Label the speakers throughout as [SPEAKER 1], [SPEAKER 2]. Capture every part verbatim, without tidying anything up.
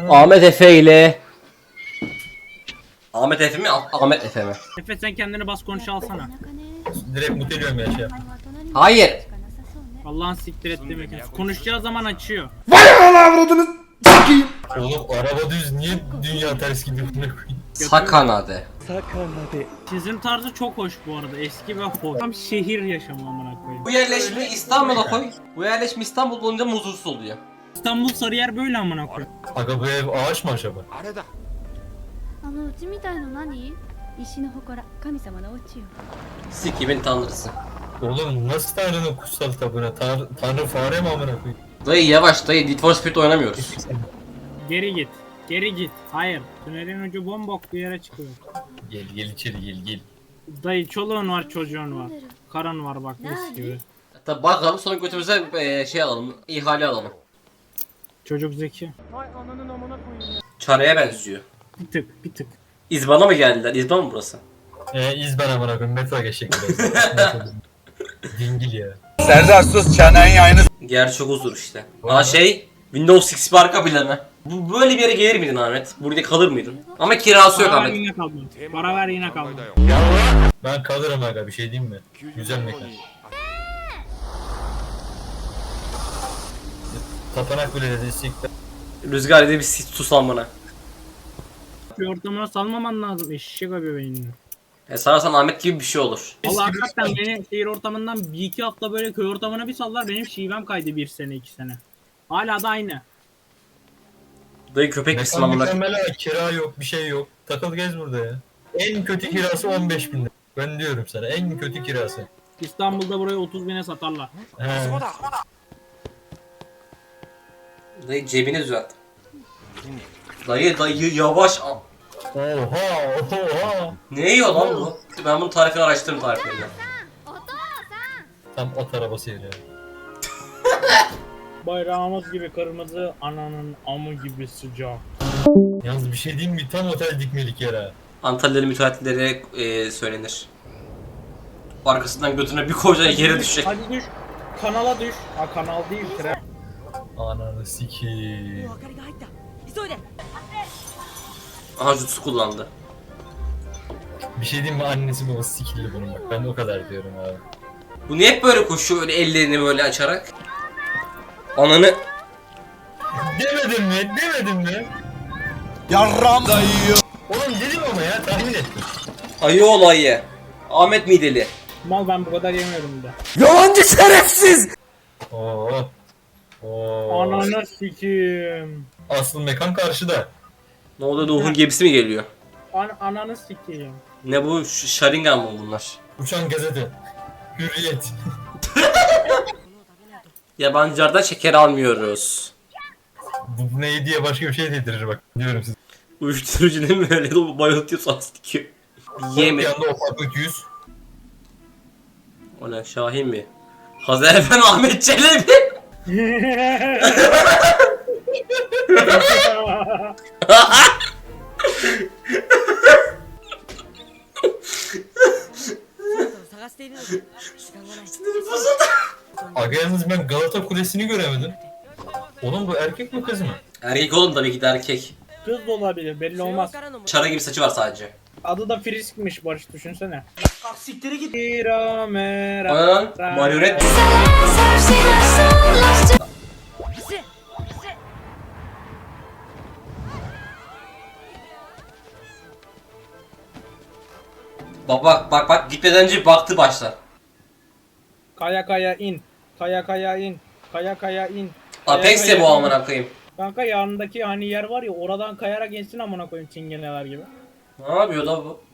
[SPEAKER 1] Ahmet Efe ile Ahmet Efe mi? Ah- Ahmet Efe mi?
[SPEAKER 2] Efe sen kendini bas konuşa alsana.
[SPEAKER 3] Direkt mut ediyorum ya şey.
[SPEAKER 1] Hayır.
[SPEAKER 2] Allah'ın siktir et demek. Konuşacağı zaman açıyor.
[SPEAKER 3] Oğlum araba düz niye dünya ters gidiyor buna koyayım?
[SPEAKER 1] Sakanade.
[SPEAKER 2] Çizim tarzı çok hoş bu arada. Eski ve hoş. Tam şehir yaşamı amına koyayım.
[SPEAKER 1] Bu yerleşme İstanbul'a koy. Bu yerleşme İstanbul olunca huzursuz oluyor.
[SPEAKER 2] İstanbul Sarıyer böyle amına koyayım.
[SPEAKER 3] Aga bu ev ağaç mı acaba?
[SPEAKER 4] あのうちみたいの何石の祠神様のお家よ
[SPEAKER 1] Sikimin tanrısı.
[SPEAKER 3] Oğlum nasıl Tanrı'nın kutsal kitabına? Tanrı, Tanrı fare mi amına koyayım?
[SPEAKER 1] Dayı yavaş dayı, Need for Speed oynamıyoruz.
[SPEAKER 2] Geri git. Geri git. Hayır. Tünelin ucu bombok bir yere çıkıyor.
[SPEAKER 3] Gel gel içeri gel gel.
[SPEAKER 2] Dayı çoluğun var çocuğun var. Karın var bak mis gibi.
[SPEAKER 1] Hatta bakalım sonra götümüze eee, şey alalım, ihale alalım.
[SPEAKER 2] Çocuk zeki.
[SPEAKER 1] Çareye benziyor.
[SPEAKER 2] Bir tık bir tık.
[SPEAKER 1] İzban'a mı geldiler? İzban mı burası?
[SPEAKER 3] Ee izben amına koyayım metro geçecek biraz. Dingil ya.
[SPEAKER 5] Serdar sus çenenin yayını.
[SPEAKER 1] Gerçek huzur işte. Aa şey, Windows X P arka planı. Bu böyle bir yere gelir miydin Ahmet? Burada kalır mıydın? Ama kirası yok
[SPEAKER 2] Para ver
[SPEAKER 1] Ahmet.
[SPEAKER 2] yine kaldı. Para ver yine kaldı.
[SPEAKER 3] Ben kalırım aga bir şey diyeyim mi? Güzel mekan. Tapanak bile dedi siktir.
[SPEAKER 1] Rüzgar dedi bir sus almana.
[SPEAKER 2] Bir ortamına salmaman lazım. Eşek abi beynini.
[SPEAKER 1] E sararsan Ahmet gibi bir şey olur.
[SPEAKER 2] Valla hakikaten beni şehir ortamından bir iki hafta böyle köy ortamına bir sallar benim şivem kaydı bir sene iki sene. Hala da aynı.
[SPEAKER 1] Dayı köpek misin
[SPEAKER 3] Mekan
[SPEAKER 1] amına?
[SPEAKER 3] mükemmel ha, kira yok bir şey yok. Takıl gez burada ya. En kötü kirası on beş bin lira. Ben diyorum sana en kötü kirası.
[SPEAKER 2] İstanbul'da burayı otuz bine satarlar.
[SPEAKER 3] He.
[SPEAKER 1] Dayı cebini düzelt. Dayı dayı yavaş. al.
[SPEAKER 3] Oha oha.
[SPEAKER 1] Ne yiyor lan bu? Ben bunun tarifini araştırdım tariflerini.
[SPEAKER 3] Tam at arabası yeri ya.
[SPEAKER 2] Bayrağımız gibi kırmızı, ananın amı gibi sıcak.
[SPEAKER 3] Yalnız bir şey diyeyim mi? Tam otel dikmelik yer ha.
[SPEAKER 1] Antalyalı müteahhitlere e, söylenir. Arkasından götüne bir koyacaksın yere düşecek.
[SPEAKER 2] Hadi düş. Kanala düş. Ha kanal değil tren.
[SPEAKER 3] Ananı sikiyim.
[SPEAKER 1] Aha jutsu kullandı.
[SPEAKER 3] Bir şey diyeyim mi? Annesi babası sikildi bunun bak. Ben de o kadar diyorum abi.
[SPEAKER 1] Bu niye hep böyle koşuyor öyle ellerini böyle açarak? Ananı...
[SPEAKER 3] Demedim mi? Demedim mi?
[SPEAKER 5] Yarram dayıyor.
[SPEAKER 3] Oğlum dedim ama ya tahmin ettim.
[SPEAKER 1] Ayı olayı. Ahmet Mideli.
[SPEAKER 2] Mal ben bu kadar yemiyorum da.
[SPEAKER 5] Yalancı şerefsiz.
[SPEAKER 3] Oo. Oo.
[SPEAKER 2] Ananı sikeyim.
[SPEAKER 3] Asıl mekan karşıda.
[SPEAKER 1] Ne oluyor, Nuh'un gemisi mi geliyor?
[SPEAKER 2] An ananı sikeyim.
[SPEAKER 1] Ne bu? Ş- Sharingan mı bunlar?
[SPEAKER 3] Uçan gazete. Hürriyet.
[SPEAKER 1] Yabancılardan şeker almıyoruz.
[SPEAKER 3] Bu ne diye başka bir şey dedirir bak. Diyorum size.
[SPEAKER 1] Uyuşturucu değil mi öyle de bayıltıyor sans dikiyor.
[SPEAKER 3] Bir
[SPEAKER 1] Yeme.
[SPEAKER 3] yanda ufaklık yüz.
[SPEAKER 1] O ne, Şahin mi? Hazar Efendi Ahmet Çelebi.
[SPEAKER 3] Aga yalnız ben Galata Kulesi'ni göremedim. Oğlum bu erkek mi kız mı?
[SPEAKER 1] Erkek oğlum, tabii ki de erkek.
[SPEAKER 2] Kız da olabilir belli olmaz.
[SPEAKER 1] Çara gibi saçı var sadece.
[SPEAKER 2] Adı da Frisk'miş Barış düşünsene. Siktir git. Mera mera.
[SPEAKER 1] Anan marionet. Bak bak bak bak, gitmeden önce baktı başta.
[SPEAKER 2] Kaya kaya in. Kaya kaya in. Kaya kaya in. Kaya
[SPEAKER 1] Apex
[SPEAKER 2] kaya
[SPEAKER 1] de bu
[SPEAKER 2] in.
[SPEAKER 1] amına koyayım.
[SPEAKER 2] Kanka yanındaki hani yer var ya oradan kayarak insin amına koyayım çingeneler gibi.
[SPEAKER 1] Ne yapıyor da bu?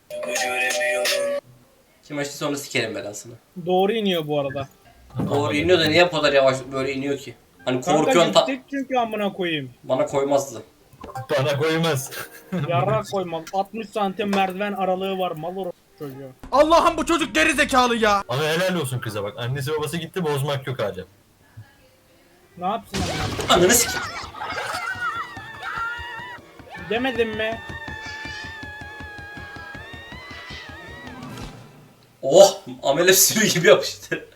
[SPEAKER 1] Kim açtı sonra sikerim belasını.
[SPEAKER 2] Doğru iniyor bu arada.
[SPEAKER 1] Doğru iniyor da niye bu kadar yavaş böyle iniyor ki? Hani
[SPEAKER 2] Kanka
[SPEAKER 1] korkuyorsun ta...
[SPEAKER 2] yüksek çünkü amına koyayım.
[SPEAKER 1] Bana koymazdı.
[SPEAKER 3] Bana koymaz.
[SPEAKER 2] Yarrak koymam. altmış santim merdiven aralığı var mal or çocuğu.
[SPEAKER 5] Allah'ım bu çocuk geri zekalı ya.
[SPEAKER 3] Ama helal olsun kıza bak. Annesi babası gitti bozmak yok hala.
[SPEAKER 2] Ne yapsın amına?
[SPEAKER 1] Ananı sikeyim.
[SPEAKER 2] Demedim mi?
[SPEAKER 1] Oh! Amele sürü gibi yapıştı.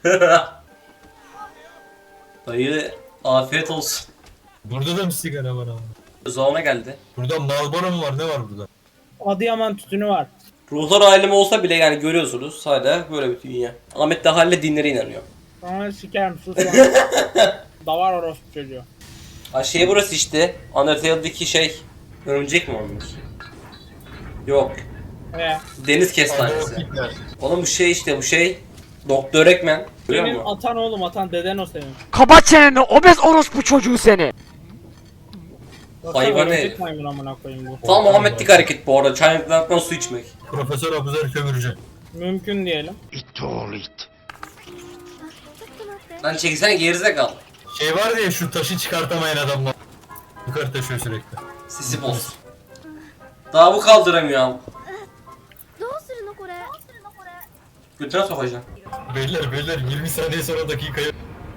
[SPEAKER 1] Dayı afiyet olsun.
[SPEAKER 3] Burada da mı sigara var ama?
[SPEAKER 1] Zauna geldi.
[SPEAKER 3] Burada Marlboro mu var? Ne var burada?
[SPEAKER 2] Adıyaman tütünü var.
[SPEAKER 1] Ruhlar alemi olsa bile yani görüyorsunuz hala böyle bir dünya. Ahmet de halle dinlere inanıyor.
[SPEAKER 2] Sana sikerim sus lan. Davar orospu çocuğu.
[SPEAKER 1] Ha şey burası işte. Undertale'deki şey. Örümcek mi olmuş? Yok.
[SPEAKER 2] Ee,
[SPEAKER 1] Deniz
[SPEAKER 3] Adolf
[SPEAKER 1] kestanesi.
[SPEAKER 3] Hitler.
[SPEAKER 1] Oğlum bu şey işte bu şey. Doktor Ekmen. Görüyor
[SPEAKER 2] senin
[SPEAKER 1] musun?
[SPEAKER 2] atan oğlum atan deden o senin.
[SPEAKER 5] Kapat çeneni obez orospu çocuğu seni.
[SPEAKER 2] Yoksa
[SPEAKER 1] Hayvan
[SPEAKER 2] örümcek
[SPEAKER 1] herif.
[SPEAKER 2] maymun amına koyayım bu.
[SPEAKER 1] Tam Muhammedlik hareket bu arada. Çaylıklardan su içmek.
[SPEAKER 3] Profesör Abuzer Kömürcü.
[SPEAKER 2] Mümkün diyelim.
[SPEAKER 4] ちょっと待って
[SPEAKER 1] Lan çekilsene gerizekalı.
[SPEAKER 3] Şey var ya şu taşı çıkartamayan adamlar. Yukarı taşıyor sürekli.
[SPEAKER 1] Sisi boz. Daha bu kaldıramıyor abi.
[SPEAKER 4] どうするのこれ
[SPEAKER 1] Götüne sokacağım.
[SPEAKER 3] Beyler beyler yirmi saniye sonra dakikaya.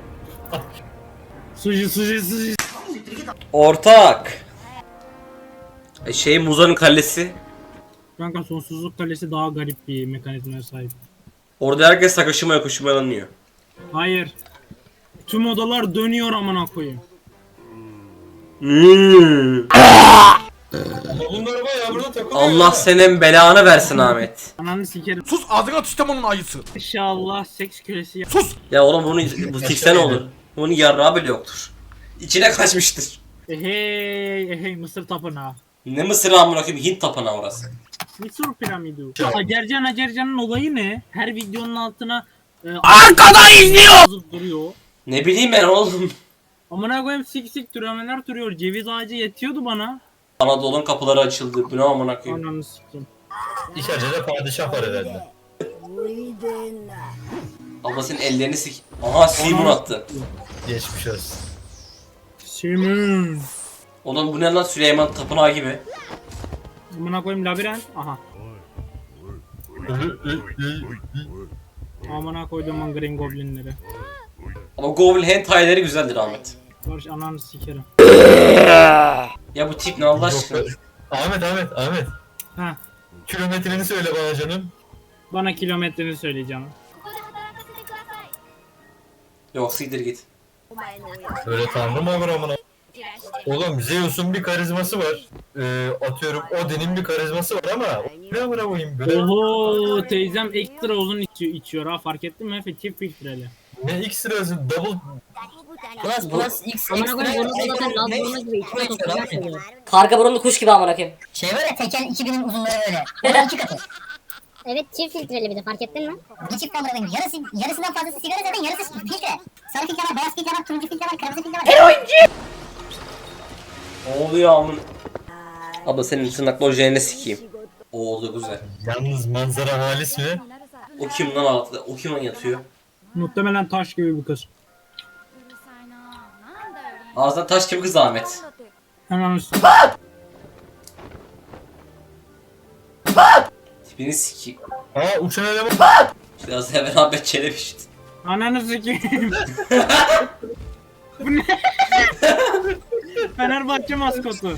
[SPEAKER 2] Suji suji suji.
[SPEAKER 1] Ortak. E şey Muza'nın kalesi.
[SPEAKER 2] Kanka sonsuzluk kalesi daha garip bir mekanizmaya sahip.
[SPEAKER 1] Orada herkes sakışıma yakışmalanıyor.
[SPEAKER 2] Hayır. Tüm odalar dönüyor amına koyayım.
[SPEAKER 1] Hmm.
[SPEAKER 3] Ama bunlar bayağı burada takılıyor.
[SPEAKER 1] Allah
[SPEAKER 3] ya.
[SPEAKER 1] senin belanı versin Ahmet.
[SPEAKER 2] Ananı sikerim.
[SPEAKER 5] Sus ağzına tüstem onun ayısı.
[SPEAKER 2] İnşallah seks kölesi ya.
[SPEAKER 5] Sus.
[SPEAKER 1] Ya oğlum bunu bu tikse ne olur? Bunun yarrağı bile yoktur. İçine kaçmıştır.
[SPEAKER 2] Ehey ehey Mısır tapınağı.
[SPEAKER 1] Ne Mısır amına koyayım Hint tapınağı orası.
[SPEAKER 2] Mısır piramidi. Acercan Acercan'ın olayı ne? Her videonun altına e,
[SPEAKER 5] Arkada izliyor.
[SPEAKER 2] yazıp duruyor.
[SPEAKER 1] Ne bileyim ben oğlum.
[SPEAKER 2] Amına koyayım sik sik türemeler duruyor. Ceviz ağacı yetiyordu bana.
[SPEAKER 1] Anadolu'nun kapıları açıldı. Bu ne amına koyayım.
[SPEAKER 2] Ananı sikeyim.
[SPEAKER 3] İçeride de padişah var herhalde.
[SPEAKER 1] Abla senin ellerini sik. Aha Simon attı.
[SPEAKER 3] Geçmiş olsun.
[SPEAKER 2] Simon.
[SPEAKER 1] Oğlum bu ne lan Süleyman tapınağı gibi.
[SPEAKER 2] Amına koyayım labirent. Aha. Amına koydum Green Goblinleri.
[SPEAKER 1] Ama Goblin hentaileri güzeldir Ahmet.
[SPEAKER 2] Barış ananı sikerim.
[SPEAKER 1] Ya bu tip ne Allah aşkına.
[SPEAKER 3] Ahmet Ahmet Ahmet.
[SPEAKER 2] Ha.
[SPEAKER 3] Kilometreni söyle bana canım.
[SPEAKER 2] Bana kilometreni söyleyeceğim.
[SPEAKER 4] ここで働かせてください
[SPEAKER 1] Yok siktir git.
[SPEAKER 4] お前の親
[SPEAKER 3] Öyle tanrı mı olur amına? Oğlum Zeus'un bir karizması var. Ee, atıyorum Odin'in bir karizması var ama ne amına koyayım böyle?
[SPEAKER 2] Oho teyzem ekstra uzun içiyor, içiyor ha fark ettin mi Efe? Çift filtreli.
[SPEAKER 3] Ne X-Ra'sı double
[SPEAKER 6] Plus plus X
[SPEAKER 7] Amına koyayım
[SPEAKER 6] ekstra
[SPEAKER 7] bunu zaten
[SPEAKER 6] ne-
[SPEAKER 7] Lazburnu gibi içine
[SPEAKER 6] ne-
[SPEAKER 7] sokuyor.
[SPEAKER 6] ne-
[SPEAKER 7] Nasıl oluyor?
[SPEAKER 6] Karga burunlu kuş gibi amına koyayım.
[SPEAKER 7] Şey var ya Tekken iki binin uzunları öyle. Onun iki katı.
[SPEAKER 8] Evet çift filtreli bir de fark ettin mi?
[SPEAKER 7] Bir çift amına koyayım. Yarısı, yarısından fazlası sigara zaten yarısı filtre. Sarı filtre var, beyaz filtre var, turuncu filtre var, kırmızı filtre var.
[SPEAKER 1] Ne oluyor amın? Abla senin tırnakla ojeğini sikeyim. O oldu güzel.
[SPEAKER 3] yalnız manzara halis mi?
[SPEAKER 4] になるさ
[SPEAKER 1] O kim lan altında? O kim lan yatıyor?
[SPEAKER 2] Muhtemelen taş gibi bir kız.
[SPEAKER 4] うるさいななんだよリン
[SPEAKER 1] Ağzından taş gibi kız Ahmet.
[SPEAKER 4] だって
[SPEAKER 2] Hemen üstüne.
[SPEAKER 1] Tipini sikeyim.
[SPEAKER 3] Aa uçan eleman.
[SPEAKER 1] Biraz evvel Ahmet Çelebi işte.
[SPEAKER 2] Ananı sikeyim. Bu ne? Fenerbahçe maskotu.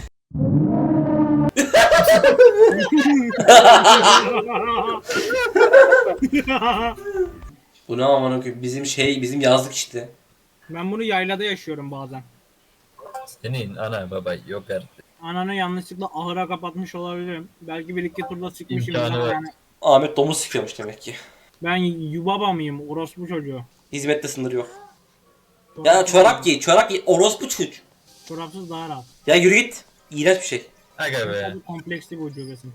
[SPEAKER 1] Bu ne amına koyayım? Bizim şey, bizim yazlık işte.
[SPEAKER 2] Ben bunu yaylada yaşıyorum bazen.
[SPEAKER 3] Senin ana baba yok artık.
[SPEAKER 2] Ananı yanlışlıkla ahıra kapatmış olabilirim. Belki bir iki turda sıkmışım.
[SPEAKER 3] İmkanı var.
[SPEAKER 2] Yani.
[SPEAKER 1] Ahmet domuz sikiyormuş demek ki.
[SPEAKER 2] Ben yubaba mıyım? Orospu çocuğu.
[SPEAKER 1] Hizmette sınır yok. Ya çorap giy, çorap giy. Orospu çocuğu.
[SPEAKER 2] Çorapsız daha rahat.
[SPEAKER 1] Ya yürü git. İğrenç bir şey.
[SPEAKER 3] Aga be.
[SPEAKER 2] Tabii kompleksli bir ucubesin.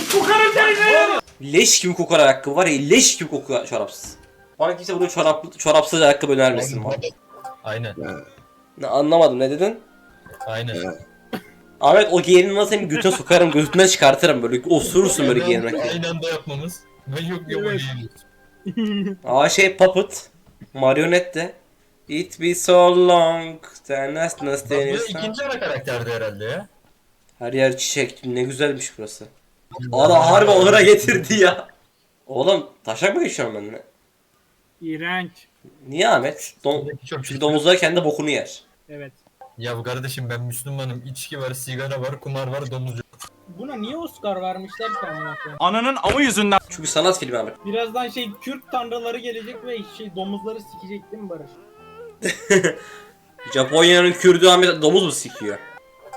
[SPEAKER 1] Leş gibi kokar ayakkabı var ya, leş gibi kokuyor çorapsız. Bana kimse burada çorap, çorapsız ayakkabı önermesin bana.
[SPEAKER 3] Aynen.
[SPEAKER 1] Ne, anlamadım ne dedin?
[SPEAKER 3] Aynen.
[SPEAKER 1] Ahmet o giyinini senin götüne sokarım, götünden çıkartırım böyle osurursun böyle giyinmekle.
[SPEAKER 3] Aynı anda yapmamız. Ve yok yok
[SPEAKER 2] Evet.
[SPEAKER 3] evet.
[SPEAKER 1] Aa şey puppet. Marionet de. It be so long. Sen nasıl nasıl
[SPEAKER 3] Bak bu
[SPEAKER 1] denirsen.
[SPEAKER 3] ikinci ana karakterdi herhalde ya.
[SPEAKER 1] Her yer çiçek. Ne güzelmiş burası. Ana harbi ahıra getirdi ya. Oğlum taşak mı geçiyorum ben de?
[SPEAKER 2] İğrenç.
[SPEAKER 1] Niye Ahmet? Dom
[SPEAKER 3] Çok
[SPEAKER 1] Çünkü
[SPEAKER 3] kötü.
[SPEAKER 1] domuzlar kendi bokunu yer.
[SPEAKER 2] Evet.
[SPEAKER 3] Ya kardeşim ben Müslümanım. İçki var, sigara var, kumar var, domuz yok.
[SPEAKER 2] Buna niye Oscar vermişler ki amına koyayım?
[SPEAKER 5] Ananın amı yüzünden.
[SPEAKER 1] Çünkü sanat filmi Ahmet.
[SPEAKER 2] Birazdan şey Kürt tanrıları gelecek ve şey domuzları sikecek değil mi Barış?
[SPEAKER 1] Japonya'nın Kürdü Ahmet domuz mu sikiyor?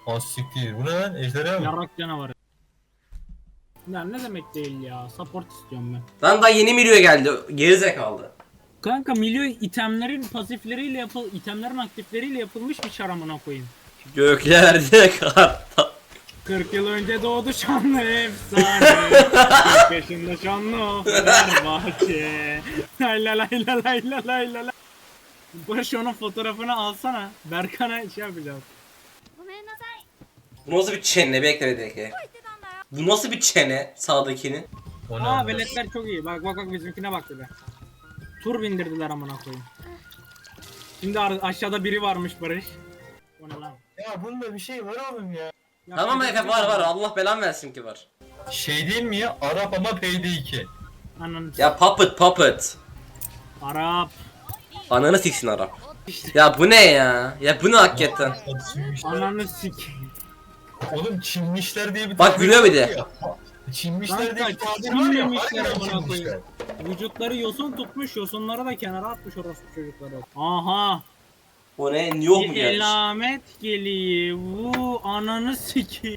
[SPEAKER 3] Az siktir. Bu ne lan? Ejderha mı?
[SPEAKER 2] Yarrak canavarı. Ya ne demek değil ya. Support istiyorum ben.
[SPEAKER 1] Lan daha yeni Milio'ya geldi. Gerizekalı.
[SPEAKER 2] Kanka milyon itemlerin pasifleriyle yapıl itemlerin aktifleriyle yapılmış bir çar amına koyayım.
[SPEAKER 1] Göklerde kartal.
[SPEAKER 2] kırk yıl önce doğdu şanlı efsane. kırk yaşında şanlı o Fenerbahçe. Lay la lay la lay la lay la lay. Barış onun fotoğrafını alsana. Berkan'a şey yapacağız.
[SPEAKER 4] ごめんなさい
[SPEAKER 1] Bu nasıl bir çene? Bekle bir dakika. Bu nasıl bir çene sağdakinin?
[SPEAKER 3] O ne
[SPEAKER 2] Aa
[SPEAKER 3] lan?
[SPEAKER 2] veletler çok iyi. Bak bak bak bizimkine bak bir de. Tur bindirdiler amına koyayım. Şimdi ar- aşağıda biri varmış Barış. O ne lan?
[SPEAKER 3] Ya bunda bir şey var oğlum ya.
[SPEAKER 2] Ya
[SPEAKER 1] Tamam
[SPEAKER 2] ben-
[SPEAKER 1] Efe var var. Allah belan versin ki var.
[SPEAKER 3] Şey değil mi ya? Arap ama P D iki.
[SPEAKER 2] Ananı
[SPEAKER 1] Ya puppet puppet.
[SPEAKER 2] Arap.
[SPEAKER 1] Ananı siksin Arap. Ya bu ne ya? Ya bu ne hakikaten?
[SPEAKER 2] Ananı sikeyim.
[SPEAKER 3] Oğlum Çinmişler diye bir
[SPEAKER 1] Bak
[SPEAKER 3] tabir
[SPEAKER 1] gülüyor bir de.
[SPEAKER 3] var ya. Çinmişler diye bir
[SPEAKER 2] Kanka,
[SPEAKER 3] tabir var ya.
[SPEAKER 2] Çinmemişler
[SPEAKER 3] Harbiden
[SPEAKER 2] amına
[SPEAKER 3] Çinmişler.
[SPEAKER 2] koyayım. Vücutları yosun tutmuş, yosunları da kenara atmış orospu çocukları. Aha.
[SPEAKER 1] O ne? New York mu
[SPEAKER 2] Bir
[SPEAKER 1] gelmiş?
[SPEAKER 2] elamet geliyor. Bu ananı sikeyim.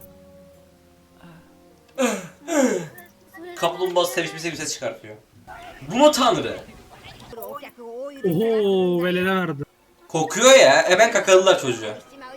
[SPEAKER 1] Kaplumbağa sevişmesi bir ses çıkartıyor. Bu mu tanrı?
[SPEAKER 2] Oho velede verdi.
[SPEAKER 1] Kokuyor ya. E ben kakaladılar çocuğu.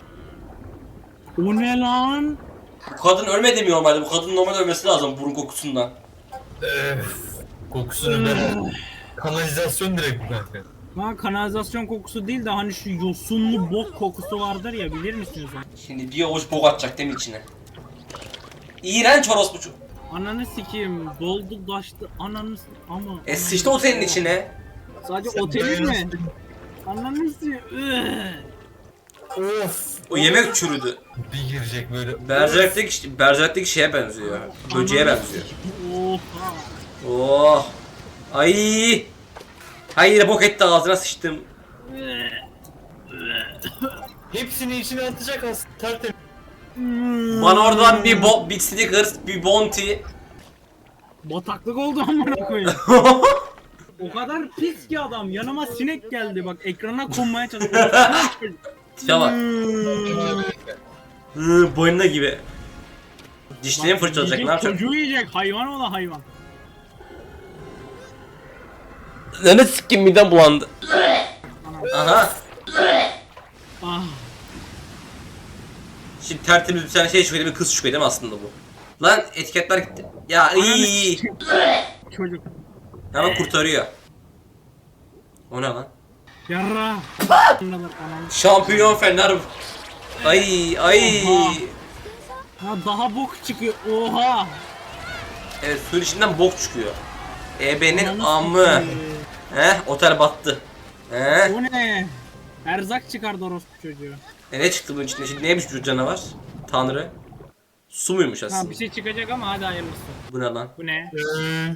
[SPEAKER 2] O ne lan?
[SPEAKER 1] Bu kadın ölmedi mi normalde? Bu kadının normalde ölmesi lazım burun kokusundan.
[SPEAKER 3] Öf. Kokusunu veren. Kanalizasyon direkt bu kanka.
[SPEAKER 2] Lan kanalizasyon kokusu değil de hani şu yosunlu bok kokusu vardır ya, bilir misiniz onu?
[SPEAKER 1] Şimdi bir avuç bok atacak değil mi içine? İğrenç orospu ço-
[SPEAKER 2] Ananı sikeyim, doldu taştı ananı s- ama.
[SPEAKER 1] E sıçtı otelin içine.
[SPEAKER 2] Sadece
[SPEAKER 3] Sen
[SPEAKER 2] otelin mi?
[SPEAKER 3] dayanırsın.
[SPEAKER 2] Ananı sikeyim.
[SPEAKER 3] Of.
[SPEAKER 1] O yemek çürüdü.
[SPEAKER 3] Bir girecek böyle.
[SPEAKER 1] Berserk'teki, Berserk'teki şeye benziyor. Böceğe benziyor.
[SPEAKER 2] Oha.
[SPEAKER 1] Oh. Ay. Hayır bok etti ağzına sıçtım.
[SPEAKER 3] Hepsini içine atacak aslında. Tertemiz.
[SPEAKER 1] Bana oradan bir bo Big Snickers, bir Bounty.
[SPEAKER 2] Bataklık oldu amına koyayım. O kadar pis ki adam. Yanıma sinek geldi bak, ekrana konmaya çalışıyor.
[SPEAKER 1] Tipe bak. Hı, boynuna gibi. Dişlerini fırçalayacak ne yapacak?
[SPEAKER 2] Çocuğu yiyecek, hayvan o da hayvan.
[SPEAKER 1] Ne sikkim midem bulandı. Aha.
[SPEAKER 2] Ah.
[SPEAKER 1] Şimdi tertemiz bir tane şey çıkıyor değil mi? Kız çıkıyor değil mi aslında bu? Lan etiketler gitti. Ya iyi.
[SPEAKER 2] Çocuk.
[SPEAKER 1] Hemen kurtarıyor. O ne lan?
[SPEAKER 2] Yarra. Anam.
[SPEAKER 1] Şampiyon Fener. Ay ay.
[SPEAKER 2] Oha. Ha daha bok çıkıyor. Oha.
[SPEAKER 1] Evet suyun içinden bok çıkıyor. Ebe'nin
[SPEAKER 2] Ananı
[SPEAKER 1] amı.
[SPEAKER 2] sikeyim.
[SPEAKER 1] Heh otel battı. Heh.
[SPEAKER 2] O ne? Erzak çıkardı orospu çocuğu.
[SPEAKER 1] E ne çıktı bunun içinde? Şimdi neymiş bu canavar? Tanrı. Su muymuş
[SPEAKER 2] Ha
[SPEAKER 1] aslında?
[SPEAKER 2] bir şey çıkacak ama hadi hayırlısı.
[SPEAKER 1] Bu ne lan?
[SPEAKER 2] Bu ne?
[SPEAKER 3] Ee,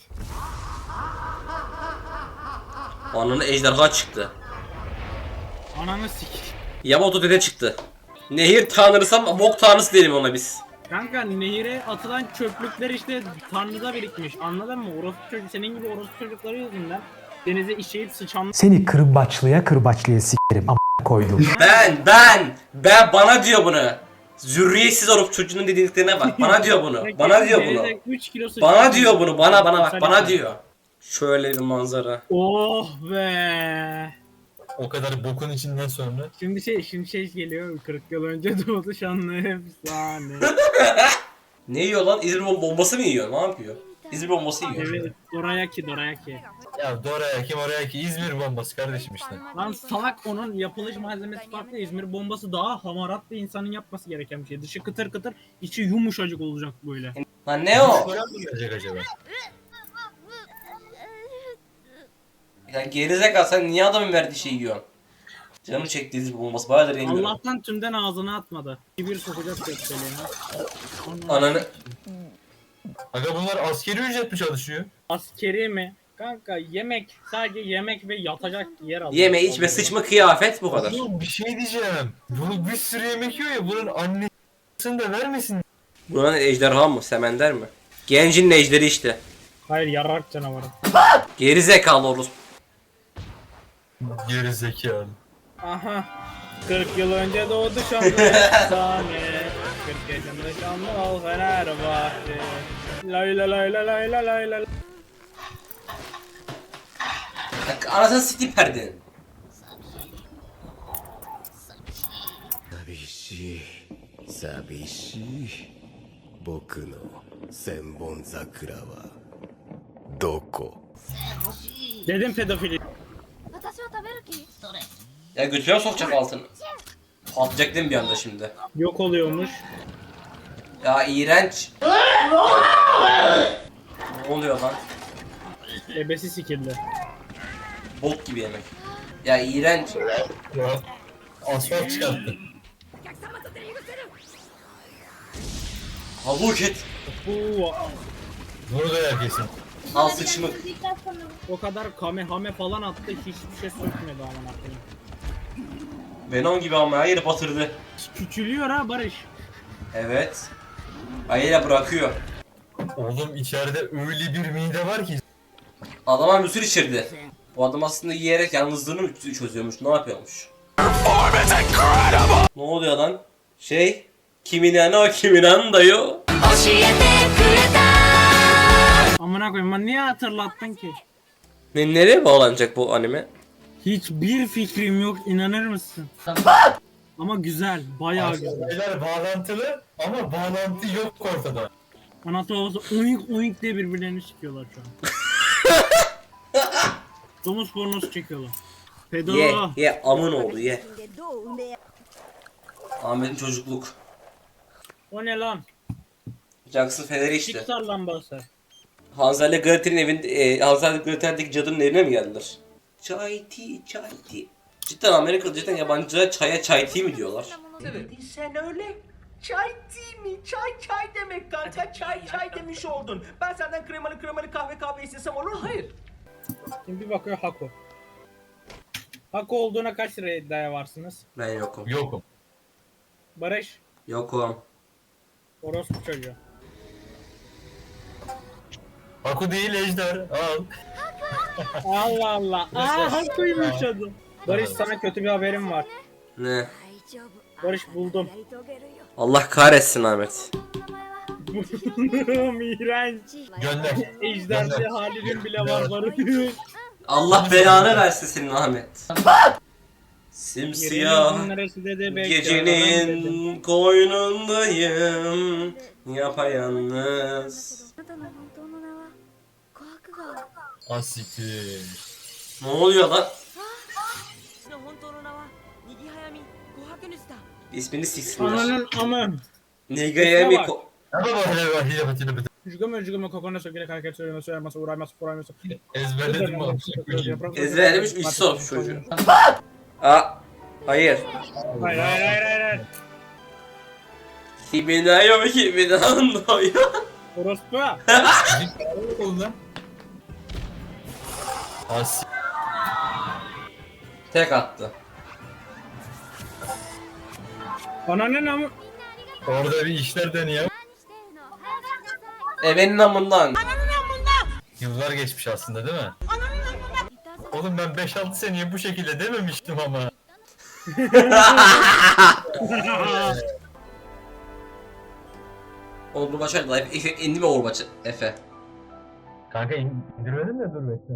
[SPEAKER 1] Ananı ejderha çıktı.
[SPEAKER 2] Ananı sik.
[SPEAKER 1] Yamato dede çıktı. Nehir tanrısı ama bok tanrısı diyelim ona biz.
[SPEAKER 2] Kanka nehire atılan çöplükler işte Tanrı'da birikmiş. Anladın mı? Orospu çocuk, senin gibi orospu çocukları yüzünden denize işeyip sıçan.
[SPEAKER 9] Seni kırbaçlıya kırbaçlıya sikerim a** koydum.
[SPEAKER 1] Ben ben ben bana diyor bunu. Zürriyetsiz olup çocuğunun dediklerine bak. Bana diyor bunu. Bana diyor bunu.
[SPEAKER 2] Denize üç kilo sıçan.
[SPEAKER 1] Bana diyor bunu. Bana bana bak.
[SPEAKER 2] Sen
[SPEAKER 1] Bana
[SPEAKER 2] yapma.
[SPEAKER 1] diyor. Şöyle bir manzara.
[SPEAKER 2] Oh be.
[SPEAKER 3] o kadar bokun içinden sonra.
[SPEAKER 2] Şimdi şey şimdi şey geliyor. kırk yıl önce doğdu şanlı efsane.
[SPEAKER 1] Ne yiyor lan? İzmir bom- bombası mı yiyor? Ne yapıyor? İzmir bombası yiyor.
[SPEAKER 2] Evet, dorayaki dorayaki.
[SPEAKER 3] Ya Doraya kim oraya ki İzmir bombası kardeşim işte.
[SPEAKER 2] Lan salak, onun yapılış malzemesi farklı. İzmir bombası daha hamarat bir insanın yapması gereken bir şey. Dışı kıtır kıtır, içi yumuşacık olacak böyle.
[SPEAKER 1] Lan ne o?
[SPEAKER 3] Falan mı gelecek acaba?
[SPEAKER 1] Ya gerizekalı sen niye adamın verdiği şeyi yiyorsun? Canım çekti İzmir bombası. Bayağıdır yemiyorum.
[SPEAKER 2] Allah'tan tümden ağzına atmadı. Bir sokacak gökdeleğine.
[SPEAKER 1] Ananı.
[SPEAKER 3] Aga bunlar askeri ücret mi çalışıyor?
[SPEAKER 2] Askeri mi? Kanka yemek, sadece yemek ve yatacak yer alıyor.
[SPEAKER 1] Yeme içme sıçma kıyafet bu kadar.
[SPEAKER 3] Oğlum bir şey diyeceğim. Bunu bir sürü yemek yiyor ya bunun annesini de vermesin.
[SPEAKER 1] Buranın ejderha mı? Semender mi? Gencin ejderi işte.
[SPEAKER 2] Hayır, yarrak canavarı.
[SPEAKER 1] Gerizekalı orospu.
[SPEAKER 3] Geri zekalı.
[SPEAKER 2] Aha. kırk yıl önce doğdu şanlı efsane. kırk yaşında şanlı ol Fenerbahçe. Lay la lay la lay la lay la.
[SPEAKER 1] Ya, anasını sikeyim perdenin.
[SPEAKER 10] 寂しい寂しい僕の千本桜はどこ
[SPEAKER 2] Dedim pedofili.
[SPEAKER 4] 私は食べる気
[SPEAKER 1] Ya götüne sokacak altını. Patlayacak değil mi bir anda şimdi?
[SPEAKER 2] Yok oluyormuş.
[SPEAKER 1] Ya iğrenç. Ne oluyor lan?
[SPEAKER 2] Ebesi sikildi.
[SPEAKER 1] Bok gibi yemek. Ya iğrenç.
[SPEAKER 3] Ya, asfalt çıkarttı.
[SPEAKER 1] Havuk et.
[SPEAKER 2] Bu
[SPEAKER 3] Burada herkesin.
[SPEAKER 1] Al sıçmık.
[SPEAKER 2] o kadar kamehame falan attı hiçbir şey sökmedi aman akıllı.
[SPEAKER 1] Venom gibi ama her yeri batırdı.
[SPEAKER 2] Küçülüyor ha Barış.
[SPEAKER 1] Evet. Ayıyla bırakıyor.
[SPEAKER 3] Oğlum içeride öyle bir mide var ki.
[SPEAKER 1] Adama müsür içirdi. Bu adam aslında yiyerek yalnızlığını mı çözüyormuş, ne yapıyormuş? Ne oluyor lan? Şey, kiminen o kiminen dayı.
[SPEAKER 2] Amına koyayım ben niye hatırlattın ki?
[SPEAKER 1] Ne, nereye bağlanacak bu anime?
[SPEAKER 2] Hiçbir fikrim yok inanır mısın? Ama güzel, bayağı güzel.
[SPEAKER 3] Şeyler bağlantılı ama bağlantı yok ortada.
[SPEAKER 2] Anatolya'da uyuk uyuk diye birbirlerini sikiyorlar şu an. Domuz pornosu çekiyorlar. Pedo.
[SPEAKER 1] Ye, ye, amın oğlu ye. Ahmet'in çocukluk.
[SPEAKER 2] O ne lan?
[SPEAKER 1] Jackson Fener'i işte.
[SPEAKER 2] Pixar lambası.
[SPEAKER 1] Hansel ile Gretel'in evinde, e, Hansel ile Gretel'deki cadının evine mi geldiler? Çay tea, çay tea. Cidden Amerika'da cidden yabancılara çaya çay tea mi diyorlar?
[SPEAKER 5] Sen öyle çay değil mi? Çay çay demek kanka. Çay çay demiş oldun. Ben senden kremalı kremalı kahve kahve istesem olur mu? Hayır.
[SPEAKER 2] Şimdi bir bakıyor Hako. Hako olduğuna kaç lira iddiaya varsınız?
[SPEAKER 1] Ben yokum.
[SPEAKER 3] Yokum.
[SPEAKER 2] Barış,
[SPEAKER 1] Yokum.
[SPEAKER 2] orospu çocuğu.
[SPEAKER 3] Haku değil Ejder. Al.
[SPEAKER 2] Allah Allah. Aa Hako'ymuş adı. Barış sana kötü bir haberim var.
[SPEAKER 1] Ne?
[SPEAKER 2] Barış buldum.
[SPEAKER 1] Allah kahretsin Ahmet.
[SPEAKER 2] İğrenç.
[SPEAKER 3] Gönder.
[SPEAKER 2] Ejder'de
[SPEAKER 3] Gönder.
[SPEAKER 2] Halil'in bile var Barış.
[SPEAKER 1] Allah belanı versin senin Ahmet. Simsiyah
[SPEAKER 2] Yerinin neresi dedi, bekle,
[SPEAKER 1] gecenin
[SPEAKER 2] adam
[SPEAKER 1] koynundayım yapayalnız.
[SPEAKER 4] あなたの本当の名は琥珀川
[SPEAKER 3] Asiktir.
[SPEAKER 1] Ne oluyor lan?
[SPEAKER 6] の本当の名はにぎはやみ琥珀主だ。
[SPEAKER 1] İsmini
[SPEAKER 2] dedi.
[SPEAKER 1] siksinler.
[SPEAKER 2] Ananın amı.
[SPEAKER 1] Negayemi
[SPEAKER 2] bak.
[SPEAKER 1] ko...
[SPEAKER 3] Ama bak hele bak hele bak hele bak.
[SPEAKER 2] Üzgün üzgün kokona söküle hareket söylemesi söylemesi uğrayması uğrayması.
[SPEAKER 3] Ezberledim mi?
[SPEAKER 1] Ezberlemiş üç sormuş çocuğu. Aa, hayır.
[SPEAKER 2] Hayır hayır hayır hayır. hayır.
[SPEAKER 1] Kiminayo kiminandoyo.
[SPEAKER 2] Orospu.
[SPEAKER 3] Oldu lan. As.
[SPEAKER 1] Tek attı.
[SPEAKER 2] Ananın amı.
[SPEAKER 3] Orada bir işler dönüyor.
[SPEAKER 4] 何してるの早くしなさい
[SPEAKER 1] Ebenin amından.
[SPEAKER 3] Yıllar geçmiş aslında değil mi? Oğlum ben beş altı seneye bu şekilde dememiştim ama.
[SPEAKER 1] Oğlum bu başarılı. Efe indi mi Overwatch Efe?
[SPEAKER 3] Kanka indirmedim de dur bekle.